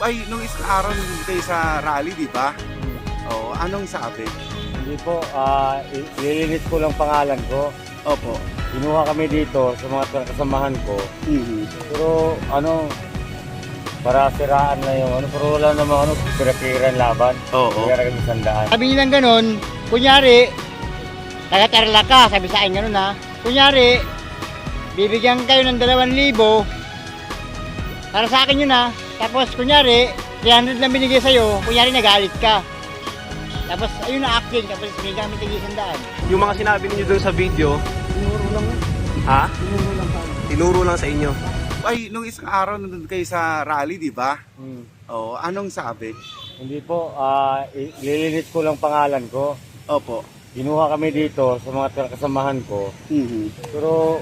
Ay, nung isang araw nandun kayo sa rally, di ba? Oo, anong sabi? Hindi po, ilinis ko lang pangalan ko. Opo. Kinuha kami dito sa mga kasamahan ko. Pero para siraan na yung pero wala namang pira-piran laban. Oo. Kaya kami sandaan. Sabi nilang ganun, kunyari, taga-Tarlac ka, sabi sa akin ganun ha. Kunyari, bibigyan kayo ng 2,000, para sa akin yun ha. Tapos kunyari, 300 lang binigay sa'yo, kunyari nagalit ka. Tapos ayun na acting, tapos binigyan kami tig-100. Yung mga sinabi niyo doon sa video, Tinuro lang yun. ha? Tinuro lang pa. Tinuro lang sa inyo. Ay, nung isang araw nandun kayo sa rally, di ba? Hmm. Oo, anong sabi? Hindi po, ilinis ko lang pangalan ko. Opo. Kinuha kami dito sa mga kasamahan ko. Pero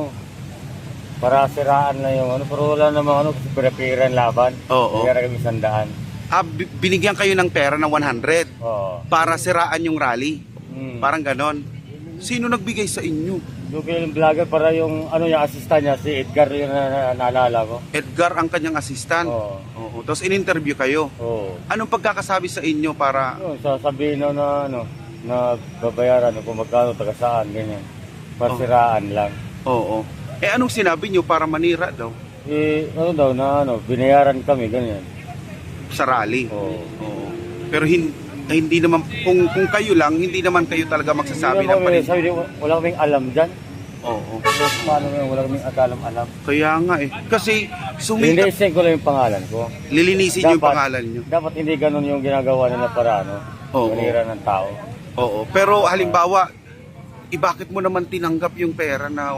para siraan na yung pero wala namang pira-piran laban. Oo. Kaya kami sandaan. Binigyan kayo ng pera ng 100 Oo. para siraan yung rally. Hmm. Parang ganon. Sino nagbigay sa inyo? Yung yung vlogger para yung yung assistant niya, si Edgar yung naalala ko. Edgar ang kanyang assistant. Oo. Oo. Tapos in-interview kayo. Oo. Anong pagkakasabi sa inyo para... Sasabihin na babayaran kung magkano taga saan, ganyan. Pasiraan lang. Oo. Eh anong sinabi nyo para manira daw Binayaran kami, ganyan. sa rally? Oo. Oo. Pero hindi naman, kung kayo lang, hindi naman kayo talaga magsasabi ng panin. Wala kaming alam dyan. Oo. So, paano yun? Wala kaming alam. Kaya nga eh. Kasi Hindi, sumikat, send ko lang yung pangalan ko. lilinisin nyo yung pangalan nyo. Dapat hindi ganun yung ginagawa nila para Oo. manira ng tao. Oo. Pero halimbawa, bakit mo naman tinanggap yung pera na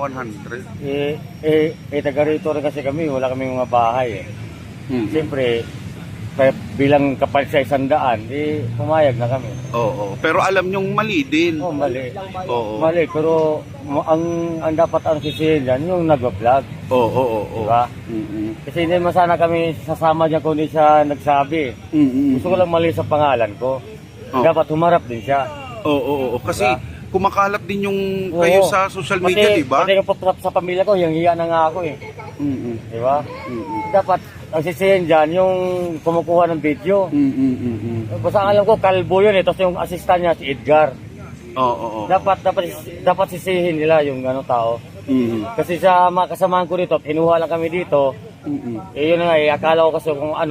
100? Taga rito rin kasi kami, wala kaming mga bahay eh. Siyempre, kaya bilang kapalit sa 100, pumayag na kami. Oo. Pero alam nyong mali din. Mali. Oo. Mali, pero ang dapat sisihin dyan, yung nag-vlog. Oo. Diba? Kasi hindi naman sana kami sasama dyan kung hindi siya nagsabi. Gusto ko lang mali sa pangalan ko. Dapat humarap din siya. Oo. Kasi kumakalat din yung Oo. kayo sa social media, di ba? Pati sa pamilya ko, yung hiya na nga ako eh. Di ba? Dapat ang sisihin dyan, yung kumukuha ng video. Basta ang alam ko, kalbo yun eh. Tapos yung assistant niya, si Edgar. Oo. Dapat sisihin nila yung tao. Kasi sa mga kasamahan ko dito, kinuha lang kami dito. Yun na nga eh, akala ko kasi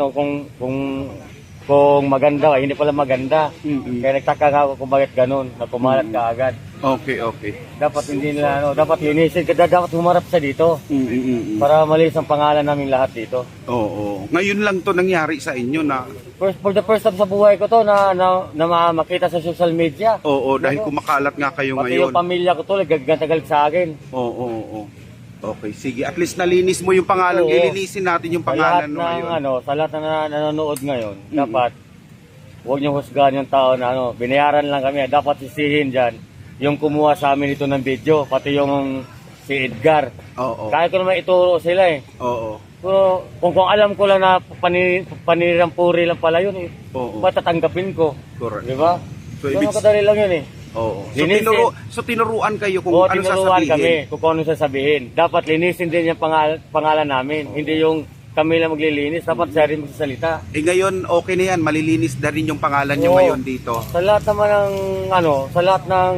kung maganda, hindi pala maganda. Kaya nagtaka nga ako kung bakit ganun, na pumalat ka agad. Okay. Dapat hindi nila, dapat linisin, dapat humarap sa dito. Para malis ang pangalan namin lahat dito. Oo. Ngayon lang to nangyari sa inyo na... For the first time sa buhay ko to na makita sa social media. Oo, dahil kumakalat nga kayo Pati ngayon. yung pamilya ko to, nagagalit sa akin. Oo. Okay, sige. At least nalinis mo yung pangalan. Oo. Ilinisin natin yung pangalan mo ngayon. Sa lahat na nanonood ngayon, dapat huwag niyo husgahan yung tao na binayaran lang kami. Dapat sisihin dyan yung kumuha sa amin ito ng video, pati yung si Edgar. Oo. Kaya ko naman ituro sila eh. Oo. Pero kung alam ko lang na panirang puri lang pala yun eh, Oo. matatanggapin ko. Correct. Di ba? So, So, kadali lang yun eh. Oo. Linisin. So tinuruan kayo kung Oo, ano tinuruan sasabihin. kami kung ano sasabihin. Dapat linisin din yung pangalan namin. Hindi yung kami lang maglilinis. Dapat siya rin magsasalita. Eh ngayon, okay na yan. Malilinis na rin yung pangalan nyo Oo. ngayon dito. Sa lahat naman ng sa lahat ng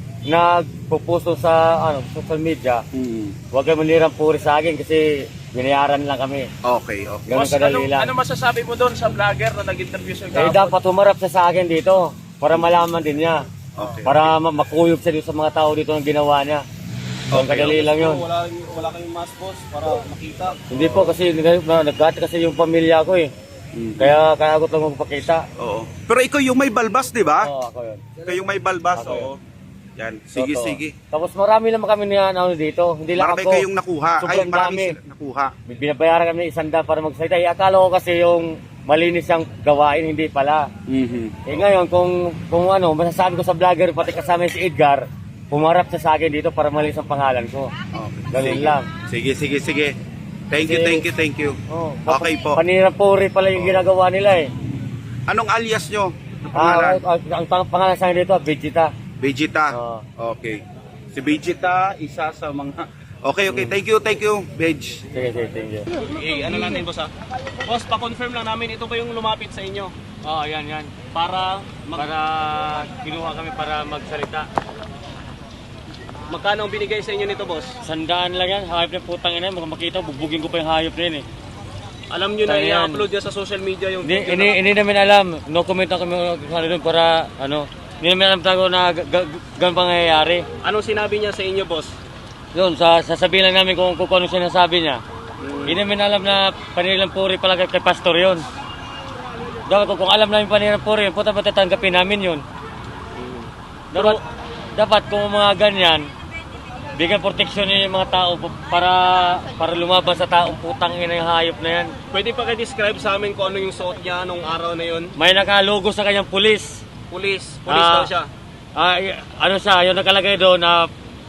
nagpupusto sa social media, huwag kayo manirang puri sa akin kasi binayaran lang kami. Okay. Ganun kadali lang. Ano masasabi mo doon sa vlogger na nag-interview sa Dapat humarap siya sa akin dito para malaman din niya. Okay. Para makuyog siya dito sa mga tao dito ng ginawa niya. Ganun kadali lang yun. Wala kayong mask boss para makita. Hindi po kasi nagkati kasi yung pamilya ko eh. Kaya ako lang magpakita. Oo. Pero ikaw yung may balbas, di ba? Oo, ako yun. Kayong may balbas, Ako oo. Yan. Sige, Totoo. sige. Tapos marami naman kami dito. Hindi lang Marami ako. kayong nakuha. Sobrang marami dami. sila nakuha. Binabayaran kami ng 100 para magsalita. Akala ko kasi yung malinis ang gawain, hindi pala. Ngayon, kung masasabi ko sa vlogger, pati kasama si Edgar, pumarap siya sa akin dito para malinis ang pangalan ko. Okay. Ganun Sige. lang. Sige. Thank you. Oh, Okay po. Panirapuri pala yung ginagawa nila eh. Anong alias nyo? Ano pangalan? Ang pangalan sa akin dito, Vegeta. Vegeta. Oo. Okay. Si Vegeta, isa sa mga Okay, thank you, Bej. Sige, thank you. Ano natin boss ha? Boss, pa-confirm lang namin, ito ba yung lumapit sa inyo? Oo, yan. Para Kinuha kami para magsalita. magkano ang binigay sa inyo nito boss? Sandaan lang yan, hayop na putang ina, makita, bubugin ko pa yung hayop na yun eh. Alam nyo na Ayan. i-upload niya sa social media yung video Hindi namin alam, no comment na kami doon para hindi namin alam talaga na ganun pangyayari. Anong sinabi niya sa inyo boss? Yun, sasabihin lang namin kung ano sinasabi niya. Hindi namin alam na panilang puri pala kay pastor yun. Dapat kung alam namin panilang puri yun, puta tatanggapin namin yun. Dapat kung mga ganyan, bigyan proteksyon yung mga tao para lumaban sa taong putang ina yung hayop na yan. Pwede pa kayo-describe sa amin kung ano yung suot niya nung araw na yun? May nakalogo sa kanyang pulis. Pulis daw siya. Yung nakalagay doon na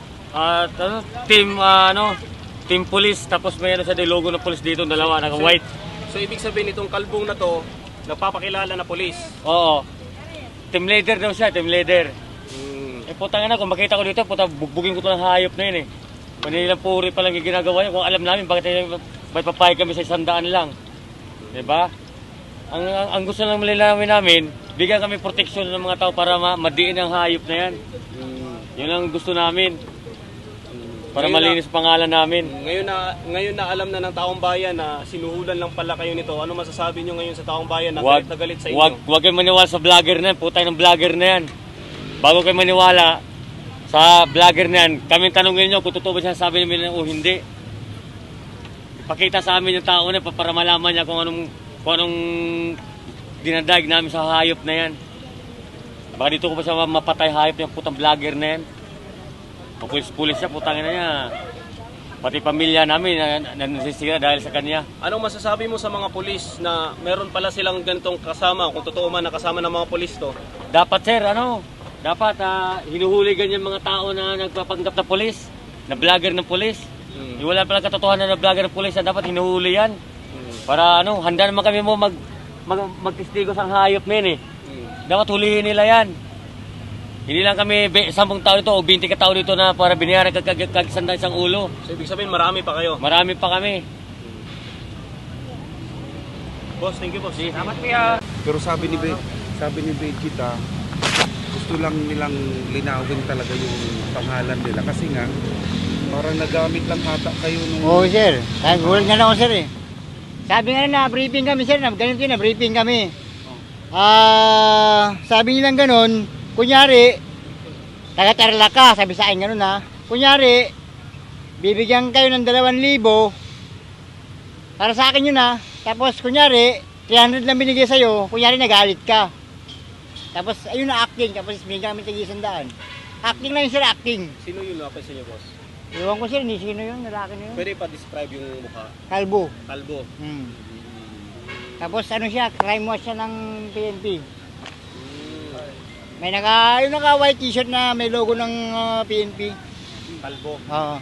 team police, tapos may sa logo ng police dito, dalawa, naka-white. So ibig sabihin itong kalbong na to, nagpapakilala na pulis. Oo. Team leader daw siya, team leader. Putang ina, kung makita ko dito, bugbugin ko to ng hayop na yun eh. Manilang puri pa lang yung ginagawa niya. Kung alam namin, bakit may papayag kami sa 100 lang. Diba? Ang gusto lang malalaman namin, bigyan kami proteksyon ng mga tao para madiin ang hayop na yan. Yun ang gusto namin. Para malinis pangalan namin. Ngayon na alam na ng taong bayan na sinuhulan lang pala kayo nito. Ano masasabi nyo ngayon sa taong bayan na galit na galit sa inyo? Huwag kayo maniwala sa vlogger na yan. Putay ng vlogger na yan. Bago kayo maniwala sa vlogger na yan, kami tanongin nyo kung totoo ba siya sabi namin o hindi. Ipakita sa amin yung tao na para malaman niya kung anong dinadag namin sa hayop na yan. Baka dito ko pa siya mapatay hayop ng putang vlogger na yan. Pulis-pulis siya, putang ina niya. Pati pamilya namin nasisira dahil sa kanya. Anong masasabi mo sa mga pulis na meron pala silang ganitong kasama, kung totoo man nakasama ng mga pulis to? Dapat sir, dapat hinuhuli ganyan mga tao na nagpapanggap na pulis, na vlogger ng pulis. Wala pala katotohanan na vlogger ng pulis, dapat hinuhuli yan. Para handa naman kami mo magtistigo sa hayop na yun eh. Dapat hulihin nila yan. Hindi lang kami 10 tao dito o 20 tao dito na para binayaran kagsanda isang ulo. So ibig sabihin marami pa kayo? Marami pa kami. Boss, thank you boss. Salamat kuya. Pero sabi ni Vegeta, gusto lang nilang linawin talaga yung pangalan nila kasi nga parang nagamit lang ata kayo nung... Oo sir, gulat nga lang ako sir eh. Sabi nga na briefing kami sir, ganito yun, briefing kami. Sabi nilang ganun, kunyari, taga-Tarlac ka, sabi sa akin ganun ha. Kunyari, bibigyan kayo ng 2,000 para sa akin yun ha. Tapos kunyari, 300 lang binigay sa'yo, kunyari nagalit ka. Tapos ayun na acting, tapos binigyan kami tig-100. Acting lang yun sir, acting. Sino yung lapis sa inyo boss? Iwan ko sir, hindi sino yun, lalaki na yun. Pwede pa describe yung mukha? Kalbo. Kalbo. Tapos ano siya, crime watch siya ng PNP. May naka white t-shirt na may logo ng PNP. Kalbo. Oo.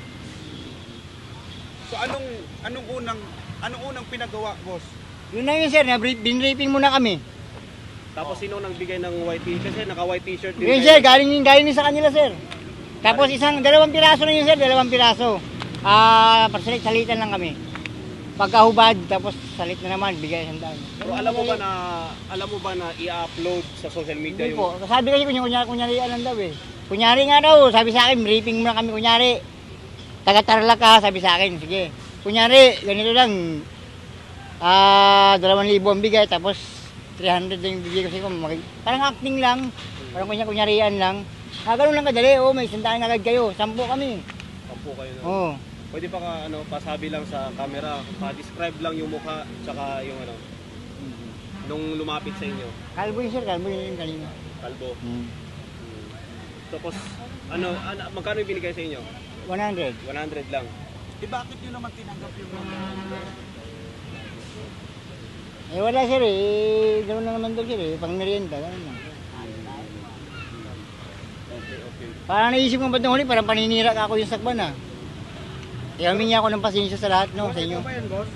So anong unang pinagawa, boss? Yun na yun sir, binripping muna kami. Tapos sino nagbigay ng white t-shirt? Kasi naka-white t-shirt din. Yun sir, galing din sa kanila sir. Tapos 2 piraso na yun sir, 2 piraso. Salitan lang kami. Pagkahubad, tapos salit na naman, bigay 100. Pero alam mo ba na i-upload sa social media Hindi yung... po, sabi kasi kunyari lang daw eh. Kunyari nga daw, sabi sa akin, briefing muna kami kunyari. Taga-Tarlac ka, sabi sa akin, sige. Kunyari, ganito lang, 2,000 ang bigay, tapos 300 lang yung bigay ko sa'yo. Parang acting lang, parang kunyarian lang. Ganun lang kadali, may 100 agad kayo, 10 kami. 10 kayo na. Oo. Pwede pa pasabi lang sa camera, pa-describe lang yung mukha, tsaka yung nung lumapit sa inyo. Kalbo yun sir, kalbo yun yung kanina. Kalbo. Tapos, magkano yung binigay sa inyo? 100. 100 lang. Bakit nyo naman tinanggap yung Wala sir eh, gano'n na naman daw sir eh, pang merienda, gano'n lang. Okay. Parang naisip mo ba't nung huli, parang paninira ka ako yung sakban ah. Kaya humingi ako ng pasensya sa lahat no, sa inyo. Ano ba yan, boss?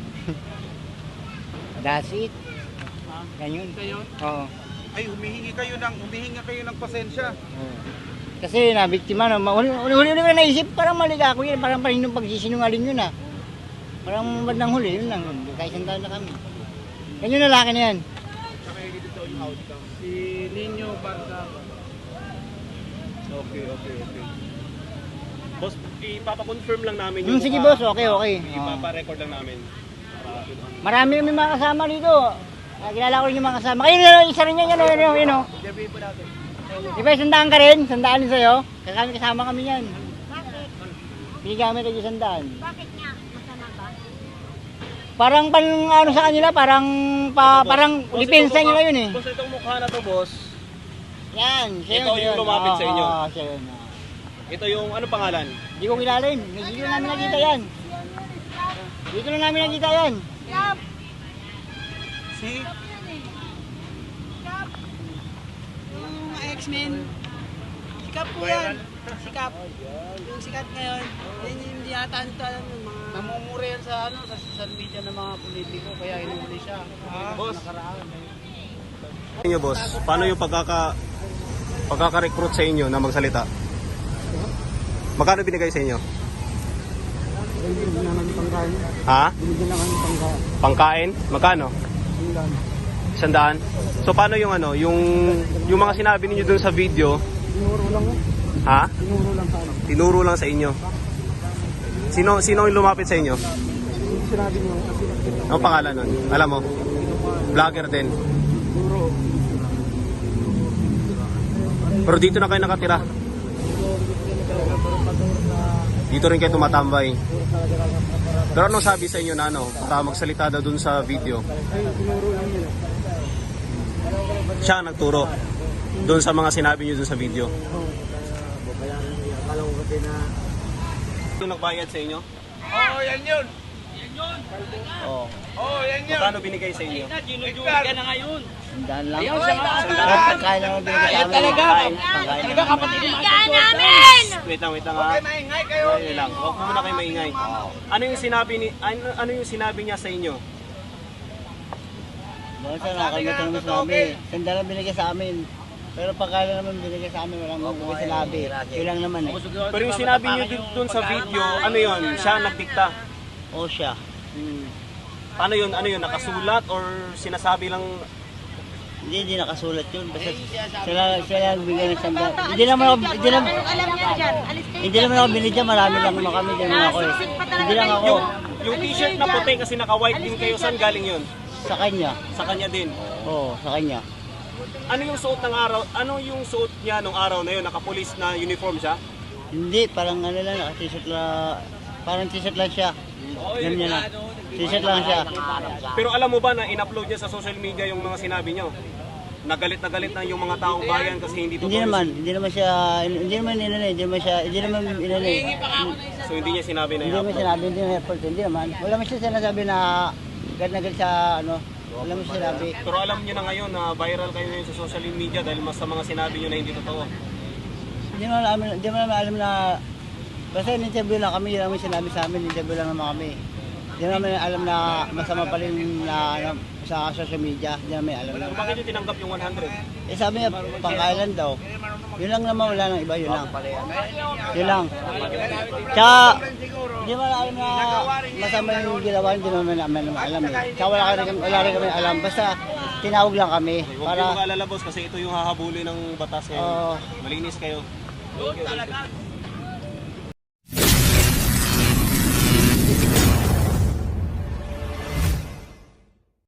That's it. Ganyan. Oo. Ay, humihingi kayo ng pasensya. Oo. Kasi nabiktima na, huli-huli ko na naisip, parang mali ka ako yun, parang paninong pagsisinungaling yun ah. Parang bandang huli, yun lang, kahit isang taon na kami. Yan yung lalaki na yan. Si Nino Barca. Okay. Boss, ipapakonfirm lang namin Sige boss, okay. Ipapa-record lang namin. Marami kami mga kasama dito. Kilala ko rin yung mga kasama. Kayo na isa rin yan, yun o. Di ba, sandaan ka rin? Sandaan din sa'yo? Kami kasama kami yan. Binigyan kami tayo sandaan. Bakit nga? Masama ba? Parang ano sa kanila, parang depensa nila yun eh. Boss, itong mukha na to, boss. Yan, siya Ito yung lumapit sa inyo? Oo, siya yun. Ito yung ano pangalan? Hindi ko kilala yun. Dito lang namin nakita yan. Dito lang namin nakita yan. Si Yung X-Men, sikap po yan. Sikap. Yung sikat ngayon, yan yung hindi yata ano to alam yung mga... Namumura yan sa sa social media ng mga politiko kaya inuuli siya. boss. Inyo boss, paano yung pagkaka-recruit sa inyo na magsalita? Magkano binigay sa inyo? Ha? Pangkain? Magkano? 100. So paano yung yung mga sinabi niyo dun sa video? Tinuro lang. Ha? Tinuro lang sa inyo. Sino yung lumapit sa inyo? Sinabi niyo kasi ang pangalan nun? Alam mo? Vlogger din. Pero dito na kayo nakatira. Dito rin kayo tumatambay. Pero anong sabi sa inyo na magsalita daw dun sa video? Siya ang nagturo dun sa mga sinabi niyo dun sa video. Ito nagbayad sa inyo? Oo, yan yun. Oo. Oo, yan yun. Magkano binigay sa inyo? Ginujuwi ka na ngayon. Sandaan lang. Pagkain lang ang binigay sa amin. Talaga kapatid mo. Bigyan namin! Wait lang ha. Maingay kayo. Wait lang. Huwag muna kayo maingay. Ano yung sinabi niya sa inyo? Doon sa nakalimutan naman sinabi. Sandaan lang binigay sa amin. Pero pagkala naman binigay sa amin, walang mga sinabi. Yun lang naman eh. Pero yung sinabi niyo dun sa video, ano yun? Siya ang nagdikta. O siya. Paano yun? Ano yun? Nakasulat or sinasabi lang? Hindi nakasulat yun. Basta sila lang bigay ng sandaan. Hindi naman ako binigyan. Marami lang naman kami. Hindi naman ako eh. Hindi lang ako. Yung t-shirt na puti kasi naka-white din kayo, saan galing yun? Sa kanya. Sa kanya din. Oo, sa kanya. Ano yung suot ng araw? Ano yung suot niya nung araw na yun? Naka-police na uniform siya? Hindi, parang ano lang, naka-t-shirt lang. Parang t-shirt lang siya. Ganyan niya na. T-shirt lang siya. Pero alam mo ba na in-upload niya sa social media yung mga sinabi niyo? Nagalit na yung mga taong bayan kasi hindi totoo. Hindi naman inano. So hindi niya sinabi na Hindi naman i-upload. sinabi, hindi naman effort, hindi naman. Wala man siya sinasabi na agad sa ano. Wala man siya sinabi. Pero alam niyo na ngayon na viral kayo ngayon sa social media dahil mas sa mga sinabi niyo na hindi totoo. Hindi naman alam na basta in-interview lang kami, yun lang yung sinabi sa amin, in-interview lang naman kami. Hindi naman alam na masama pa rin na sa social media, hindi naman alam na. So bakit niyo tinanggap yung 100? Eh sabi niya, pangkailan daw. Yun lang naman, wala nang iba, yun lang. Yun lang. Tsaka, hindi mo alam na masama yung ginawa, hindi naman namin alam eh. Tsaka wala rin kami alam, basta tinawag lang kami. Huwag kayo mag-alala boss kasi ito yung hahabulin ng batas ngayon. Malinis kayo.